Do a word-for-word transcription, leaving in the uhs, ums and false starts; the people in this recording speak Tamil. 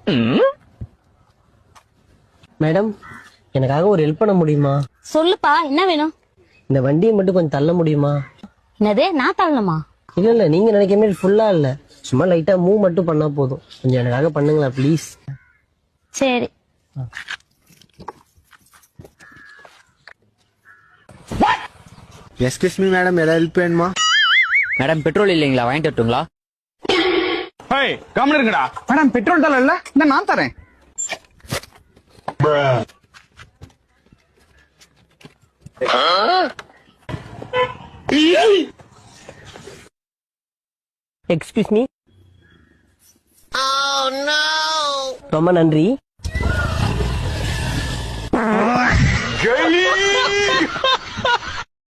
மேடம், எனக்காக ஒரு ஹெல்ப் பண்ண முடியுமா? சொல்லுப்பா, என்ன வேணும்? இந்த வண்டியை மட்டும் கொஞ்சம் தள்ள முடியுமா? என்னது, நான் தள்ளணுமா? இல்ல இல்ல, நீங்க நினைக்கிற மாதிரி ஃபுல்லா இல்ல, சும்மா லைட்டா மூவ் மட்டும் பண்ணா போதும். கொஞ்சம் எனக்காக பண்ணுங்களா ப்ளீஸ்? சரி. எஸ்கியூஸ் மீ மேடம், ஏதாவது ஹெல்ப் வேணுமா? மேடம் பெட்ரோல் இல்லைங்களா, வாங்கிட்டு வரட்டுங்களா? ஹேய், கம்முனு இருங்கடா. மேடம் பெட்ரோல் தரல இல்ல, இந்த நான் தரேன். Excuse me. ரொம்ப நன்றி.